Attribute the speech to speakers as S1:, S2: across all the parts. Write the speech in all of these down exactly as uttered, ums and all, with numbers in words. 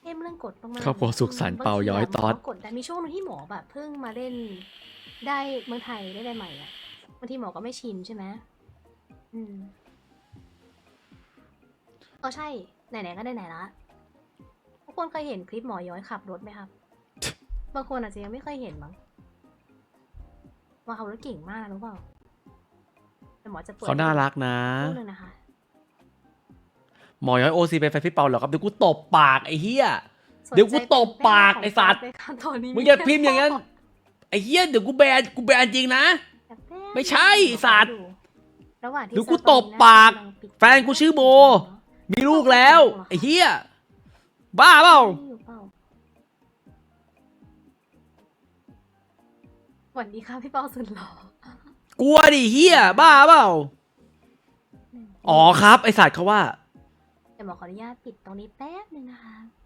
S1: เข้มเรื่องกฎมากๆ
S2: ครอบครัวสุขสันต์เป่าย้อยตอด
S1: กดแต่มีช่วงนึงที่หมอแบบเพิ่งมาเล่นได้เมืองไทยได้ใหม่ๆอ่ะบางทีหมอก็ไม่ชินใช่ไหมอืมเออใช่ไหนๆก็ไหนๆละทุกคนเคยเห็นคลิปหมอย้อยขับรถไหมครับ บางคนอาจจะยังไม่เคยเห็นมั้งว่าขับรถเก่งมากรู้เปล่าแต่หมอจะเปิด
S2: เขาน่ารักนะ
S1: ช่วงนึงนะคะ
S2: หมอย้อยโอซีเป็นแฟนพี่เปาเหรอครับเดี๋ยวกูตบปากไอ้เหี้ยเดี๋ยวกูตบปากไอ้สัตว์มึงอย่าพิมพ์อย่างนั้นไอ้เหี้ยเดี๋ยวกูแบนกูแบนจริงนะ ไม่ใช่สัตว์
S1: ระหว่างที่
S2: เดี๋ยวกูตบปากแฟนกูชื่อโบ มีลูกแล้วไอ้เหี้ยบ้าเปล่า
S1: สวัสดีค่ะพี่เปาสุดหล่อก
S2: ลัวดิเหี้ยบ้าเปล่าอ๋อครับไอสัตว์เขาว่า
S1: เดี๋ยวหมอขออนุญาตปิดตรงนี้แป๊บนึงนะคะ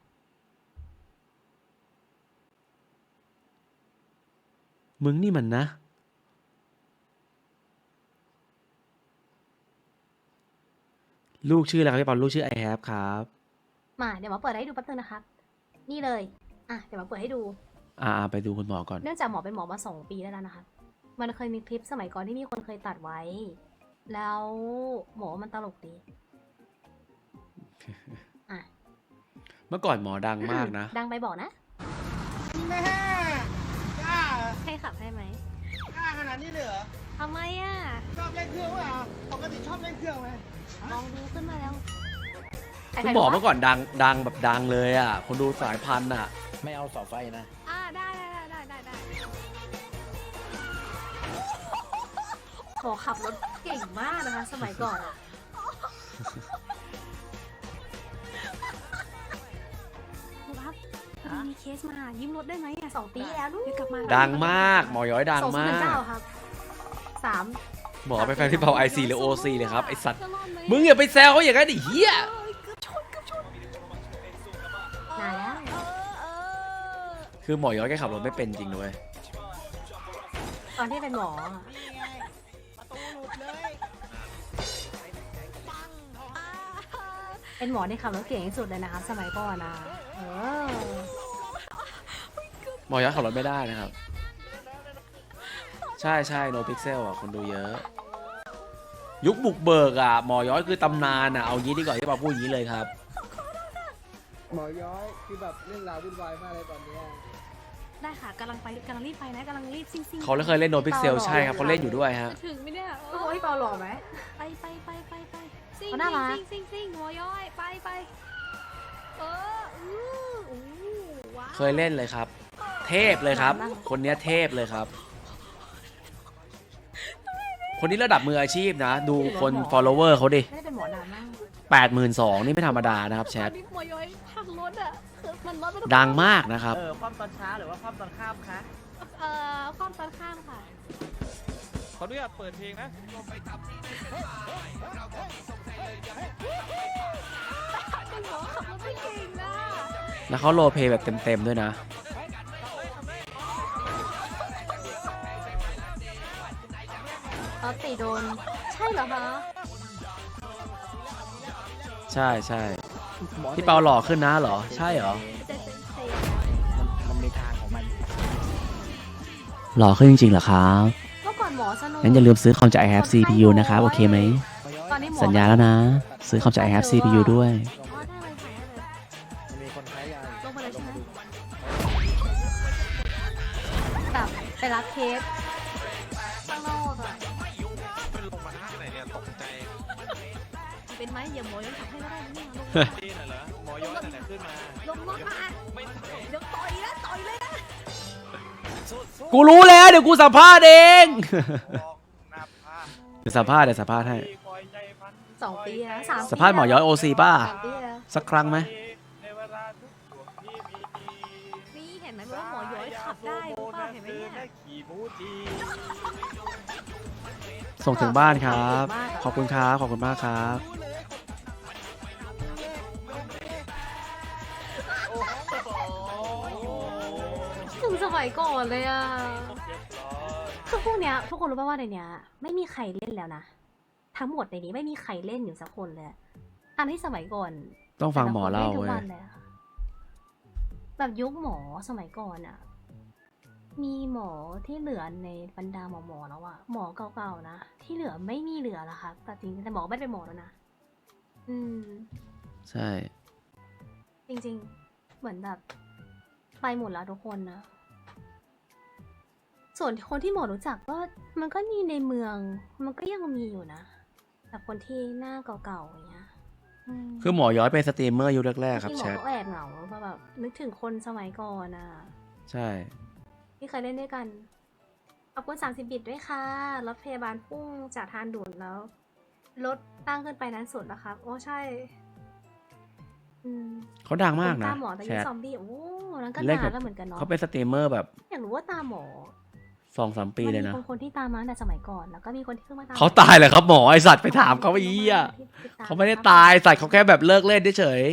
S2: มึงนี่มันนะ ลูกชื่ออะไรครับพี่เปาลูกชื่อไอแฮปครับ
S1: มาเดี๋ยวหมอเปิดให้ดูแป๊บนึงนะครับ นี่เลย อ่ะเดี๋ยวหมอเปิดให้ดู
S2: อ่าไปดูคุณหมอก่อน
S1: เนื่องจากหมอเป็นหมอมาสองปีได้แล้วนะคะ มันเคยมีคลิปสมัยก่อนที่มีคนเคยตัดไว้ แล้วหมอมันตลกดี อ่ะ
S2: เมื่อก่อนหมอดังมากนะ
S1: ดังไปบอกนะ
S3: แม่กล้า
S1: ให้ขับให้ไหม
S3: กล้าขนาดนี้เลยเหรอ
S1: ทำไมอ่ะ
S3: ชอบเล่นเครื่องเปล่าปกติชอบเล่นเครื่องไหม
S1: ลองดูขึ้นมาแล้ว
S2: คุณหมอเมื่อก่อนดังดังแบบดังเลยอ่ะ คนดูสายพันธุ์อ่ะ
S4: ไม่เอาเสาไฟนะ
S1: อ่าได้ได้ได้ได้ได้หมอขับรถเก่งมากนะคะ สมัยก่อนอะครับพอดีมีเคสมายืมรถได้ไหมอ่ะสองปีแล้วนู้นกลับมา
S2: ดังมากหมอย้อยดัง
S1: สองศูนย์ห
S2: มา
S1: นึ่ง
S2: ก
S1: เก้าครับสาม
S2: หมอเป็นแฟนพี่เปาไอซีหรือโอซีเลยครับไอสัตว์ มึงอย่าไปแซวเขาอย่างนั้นดิเฮีย
S1: นานแล้ว
S2: คือหมอย้อยแกขับรถไม่เป็นจริงด้วย
S1: ตอนที่เป็นหมออะ
S3: นี่ไงประตูหลุดเลย
S1: เป็นหมอที่ขับรถเก่งที่สุดเลยนะคะ สมัยก่อนนะเออ
S2: หมอย้อยขับรถไม่ได้นะครับ ใช่ใช่โนพิกเซลอ่ะคนดูเยอะ ยุคบุกเบิกอ่ะหมอย้อยคือตำนานอ่ะเอางี้ดีกว่าที่ปาพูดอย่างนี้เลยครับ
S3: หมอย้อยคือแบบเรื่องราววุ่นวายมากเลยตอนเนี้ย
S1: ได้ค่ะกำลังไปกำลังรีบไปนะกำลังรีบซิ่งซิ่ง
S2: เขาเคยเล่นโนพิกเซลใช่ครับเขาเล่นอยู่ด้วยฮะ
S5: ถึงไหมเนี่ย
S1: โอ้ยเปาหล่อไหม
S5: ไปไปไปไปไปซิ่ง
S1: เขาน่ารัก
S5: ซิ่งซิ่งซิ่งหัวย้อยไปไปเอออู้อู้ว้าว
S2: เคยเล่นเลยครับ เทพเลยครับ คนเนี้ยเทพเลยครับ คนนี้ระดับมืออาชีพนะ ดูคน follower เขาดิ
S1: ไม่ได้เป็นหมอนานมาก
S2: แปดหมื่นสองนี่ไม่ธรรมดานะครับแช
S5: ตอ
S2: ท
S5: นนี้หัวย้อยพังรถอ่ะคือมันรถมัน
S2: ดังมากนะครับ
S3: เออความตอนเช้าหรือว่าความตอนค่ำคะ
S5: เอ่อความตอนข้ามค่ะ
S6: ขออนุญาตเปิดเพลงนะ
S5: เป็นหมอขับรถไม่เก่งนะ
S2: แล้วเขาโรลเพลย์แบบเต็มๆด้วยนะ
S1: เออตีโดน ใช่เหรอคะ
S2: ใช่ใช่พี่เปาหล่อขึ้นนะเหรอ ใช่เหรอ
S5: เจเจเจ
S4: มันมันมีทางของมัน
S2: หล่อขึ้นจริงๆเหรอครับ
S1: เมื่อก่อนหมอสนุก
S2: งั้นอย่าลืมซื้อคอมจาก I have ซี พี ยู นะครับ โอเคไหม
S1: ตอนนี้หมอ
S2: สัญญาแล้วนะ ซื้อคอมจาก I have ซี พี ยู ด้วย
S1: อ๋อได้เลยค่ะได้เลย
S4: มันมีคนใช้ยา
S1: ลงไปเลยใช่ไหม แบบไปรับเคสข้างนอกอะ
S6: เป็นลงมาท่าไหนเนี่ยตกใจ
S5: เป็นไหมอย่าหมอย้อยขับให้ก็ได้นะเนี่ยลง
S6: ดีหน่อยเหรอหมอย้อยไหนขึ้นมา
S5: ลงรถมา
S6: ไม่
S5: เดี๋ยวต่อยนะต่อยเลยนะ
S2: กูรู้แล้วเดี๋ยวกูสัมภาษณ์เอง
S6: บอกหน้าผ้า
S2: เดี๋ยวสัมภาษณ์เดี๋ยวสัมภาษณ์ให้
S6: คอยใจพัน
S1: สองปีแล้วสามปี
S2: สัมภาษณ์หมอย้อยโอซีป่ะ
S1: สามปีแล้ว
S2: สักครั้งไหม
S6: ในเวลาทุกดวงที่มี
S5: นี่เห็นไหมว่าหมอย้อยขับได้รู้ป่ะเห็นไหมเนี่ย
S6: ขี่มูจี
S2: ส่งถึงบ้านครับ ขอบคุณครับ ขอบคุณมากครับ
S1: ถึงสมัยก่อนเลยอะ
S6: เรียบร้อย
S1: คือพวกเนี้ยทุกคนรู้ป่ะว่าในเนี้ยไม่มีใครเล่นแล้วนะ ทั้งหมดในนี้ไม่มีใครเล่นอยู่สักคนเลยอันที่สมัยก่อน
S2: ต้องฟังหมอเล่า
S1: แต่ละคนนทุก
S2: เว้
S1: วั
S2: ย
S1: นเลยอะค่ะแบบยุคหมอสมัยก่อนอะมีหมอที่เหลือในบรรดาหมอหมอแล้วอะหมอเก่าๆนะที่เหลือไม่มีเหลือแล้วครับแต่จริงๆแต่หมอไม่ได้เป็นหมอแล้วนะอืม
S2: ใช่
S1: จริงๆ เหมือนแบบไปหมดแล้วทุกคนนะ ส่วนคนที่หมอรู้จักก็มันก็มีในเมือง มันก็ยังมีอยู่นะแบบคนที่หน้าเก่าๆอย่างเงี้ยม
S2: คือหมอย้อยเป็นสตรีมเมอร์ยุคแรกๆครับ
S1: ที่หม
S2: แช
S1: อ
S2: ท
S1: ก็แอบเหงาเพราะแบบนึกถึงคนสมัยก่อนอ่ะ
S2: ใช่
S1: ที่เคยเล่นด้วยกัน ขอบคุณสามสิบบิตด้วยค่ะ รถพยาบาลพุ่งจากทางด่วนแล้ว รถตั้งขึ้นไปนั้นสุดนะครับ โอ้ใช่ อืม
S2: เขาดังมาก
S1: ผม
S2: นะ
S1: ตาหมอแต่
S2: แช
S1: ยุค
S2: ท
S1: ซอมบี้ โอ้นั้นก็
S2: เล่น
S1: นา
S2: กับ
S1: นแล้วเหมือนกันเนาะ
S2: เขาเป็นสตรีมเมอร์แบบ
S1: อยากรู้ว่าตาหมอ
S2: สองสามปี
S1: มัน
S2: เลย
S1: มี
S2: นะ
S1: คนคนที่ตามมาตั้งแต่สมัยก่อน แล้วก็มีคนที่เพิ่งมาตาม
S2: เขาตายเลยครับหมอไอสัตว์ไปถามเขาไอ้เหี้ย
S1: ที่ติดต
S2: เขาไม่ได้ตายสัตว์เขาแค่แบบเลิกเล่นเฉย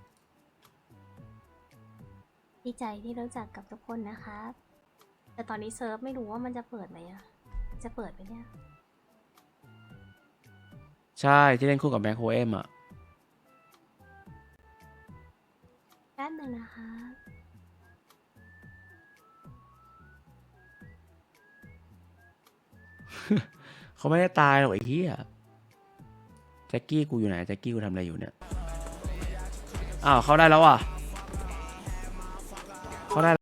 S1: ดีใจที่รู้จักกับทุกคนนะคะแต่ตอนนี้เซิร์ฟไม่รู้ว่ามันจะเปิดไหมอะจะเปิดไหมเนี่ย
S2: ใช่ที่เล่นคู่กับแบ็คโฮเอมอ่ะ
S1: แป๊บหนึงนะคะ
S2: เขาไม่ได้ตายหรอกไอ้เหี้ยแจ็คกี้กูอยู่ไหนแจ็คกี้กูทำอะไรอยู่เนี่ยอ้าวเข้าได้แล้วอ่ะเข้าได้